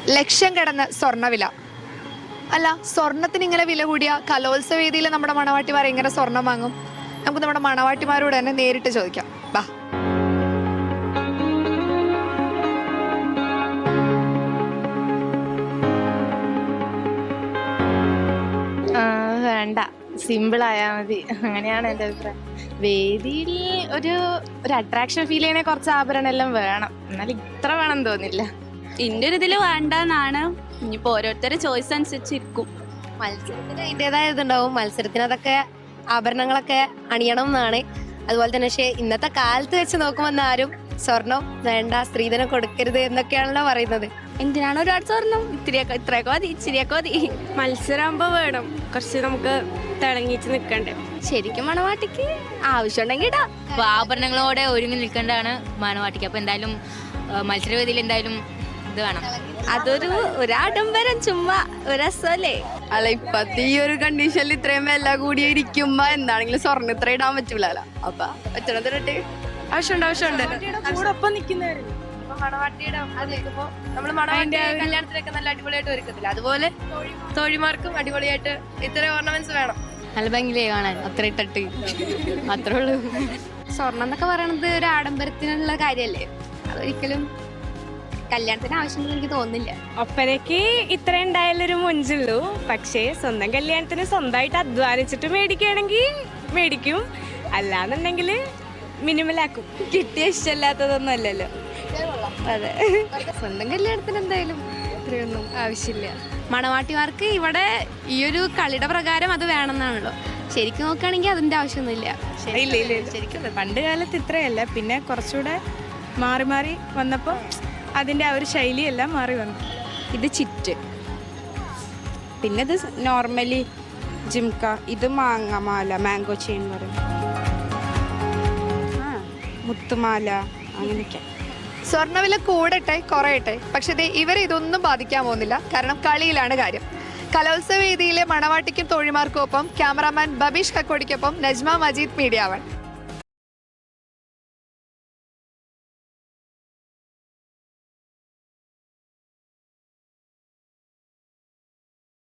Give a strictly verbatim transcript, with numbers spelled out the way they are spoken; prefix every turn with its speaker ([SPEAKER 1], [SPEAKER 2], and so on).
[SPEAKER 1] ലക്ഷം കടന്ന സ്വർണ്ണവില. അല്ല, സ്വർണത്തിന് ഇങ്ങനെ വില കൂടിയ കലോത്സവ വേദിയിൽ നമ്മുടെ മണവാട്ടിമാർ എങ്ങനെ സ്വർണം വാങ്ങും? നമുക്ക് നമ്മുടെ മണവാട്ടിമാരോട് തന്നെ നേരിട്ട് ചോദിക്കാം. ബാ.
[SPEAKER 2] വേണ്ട, സിമ്പിൾ ആയാൽ മതി, അങ്ങനെയാണ് എൻ്റെ അഭിപ്രായം. വേദിയിൽ ഒരു ഒരു അട്രാക്ഷൻ ഫീൽ ചെയ്യണ കുറച്ച് ആഭരണം എല്ലാം വേണം, എന്നാൽ ഇത്ര വേണം തോന്നില്ല.
[SPEAKER 3] എൻ്റെ ഒരു ഇതിൽ വേണ്ടെന്നാണ്. ഇനിയിപ്പോൾ ഓരോരുത്തരുടെ ചോയ്സ് അനുസരിച്ചിരിക്കും.
[SPEAKER 4] മത്സരത്തിന് അതിൻ്റെതായ ഇതുണ്ടാവും. മത്സരത്തിന് അതൊക്കെ ആഭരണങ്ങളൊക്കെ അണിയണം എന്നാണ്. അതുപോലെ തന്നെ പക്ഷേ ഇന്നത്തെ കാലത്ത് വെച്ച് നോക്കുമ്പോൾ ആരും സ്വർണം വേണ്ട, സ്ത്രീധനം കൊടുക്കരുത് എന്നൊക്കെയാണല്ലോ പറയുന്നത്.
[SPEAKER 3] എന്തിനാണ് ഒരുപാട് സ്വർണം? ഇത്തിരിയൊക്കെ ഇത്രയൊക്കെ മതി, ഇച്ചിരിയൊക്കെ മതി.
[SPEAKER 5] മത്സരമാകുമ്പോൾ വേണം കുറച്ച്, നമുക്ക് തിളങ്ങിച്ച് നിൽക്കണ്ടേ.
[SPEAKER 3] ശരിക്കും മണവാട്ടിക്ക് ആവശ്യമുണ്ടെങ്കിൽ ഇടാം.
[SPEAKER 6] അപ്പോൾ ആഭരണങ്ങളോടെ ഒരുങ്ങി നിൽക്കേണ്ടതാണ് മണവാട്ടിക്ക്. അപ്പോൾ എന്തായാലും മത്സരവേദിയിൽ എന്തായാലും ഇത് വേണം.
[SPEAKER 3] അതൊരു ഒരാഡംബരം, ചുമ്മാ ഒരു രസമല്ലേ.
[SPEAKER 5] അല്ല, ഇപ്പത്തെ ഈ ഒരു കണ്ടീഷനിൽ ഇത്രയും വില കൂടി ഇരിക്കുമ്പോ എന്താണെങ്കിലും സ്വർണ്ണം ഇത്ര ഇടാൻ പറ്റൂലല്ലോ. അപ്പൊ പറ്റണത്തിട്ട് ആവശ്യമുണ്ട് ആവശ്യമുണ്ട്
[SPEAKER 2] കൂടൊപ്പം നിൽക്കുന്നവര്
[SPEAKER 5] മണവാട്ടിയുടെ നമ്മള് മണവാട്ടി കല്യാണത്തിനൊക്കെ നല്ല അടിപൊളിയായിട്ട് ഒരുക്കത്തില്ല, അതുപോലെ തോഴിമാർക്കും അടിപൊളിയായിട്ട് ഇത്രയും ഓർണമെന്റ്സ് വേണം.
[SPEAKER 6] നല്ല ഭംഗിയിലേ കാണാൻ, അത്ര ഇട്ടിട്ട് അത്രേ ഉള്ളൂ.
[SPEAKER 3] സ്വർണം എന്നൊക്കെ പറയണത് ഒരു ആഡംബരത്തിനുള്ള കാര്യമല്ലേ, അതൊരിക്കലും കല്യാണത്തിന് ആവശ്യമുണ്ടെന്ന് എനിക്ക് തോന്നുന്നില്ല.
[SPEAKER 5] ഒപ്പനയ്ക്ക് ഇത്ര ഉണ്ടായാലൊരു മുഞ്ചുള്ളൂ. പക്ഷേ സ്വന്തം കല്യാണത്തിന് സ്വന്തമായിട്ട് അധ്വാനിച്ചിട്ട് മേടിക്കുകയാണെങ്കിൽ മേടിക്കും, അല്ലാന്നുണ്ടെങ്കിൽ മിനിമലാക്കും.
[SPEAKER 3] കിട്ടിയ ഇഷ്ടമല്ലാത്തതൊന്നും അല്ലല്ലോ. അതെ, സ്വന്തം കല്യാണത്തിന് എന്തായാലും ഇത്രയൊന്നും ആവശ്യമില്ല. മണവാട്ടിമാർക്ക് ഇവിടെ ഈ ഒരു കളിയുടെ പ്രകാരം അത് വേണമെന്നാണല്ലോ. ശരിക്കും നോക്കുകയാണെങ്കിൽ അതിന്റെ ആവശ്യമൊന്നുമില്ല.
[SPEAKER 2] ഇല്ല ഇല്ല ശരിക്കും പണ്ട് കാലത്ത് ഇത്രയല്ല, പിന്നെ കുറച്ചുകൂടെ മാറി മാറി വന്നപ്പോൾ അതിൻ്റെ ആ ഒരു ശൈലിയെല്ലാം മാറി വന്നു.
[SPEAKER 7] ഇത് ചിറ്റ്, പിന്നെ ഇത് നോർമലി ജിംക, ഇത് മാങ്ങമാല, മാംഗോ ചെയിൻ പറയും, ആ മുത്തുമാല, അങ്ങനെയൊക്കെ.
[SPEAKER 1] സ്വർണ്ണവില കൂടട്ടെ കുറയട്ടെ, പക്ഷെ ദേ ഇവരെ ഇതൊന്നും ബാധിക്കാൻ പോകുന്നില്ല. കാരണം കളിയിലാണ് കാര്യം. കലോത്സവ വേദിയിലെ മണവാട്ടിക്കും തോഴിമാർക്കും ഒപ്പം ക്യാമറാമാൻ ബബീഷ് കക്കോടിക്കൊപ്പം നജ്മ മജീദ്, മീഡിയ വൺ.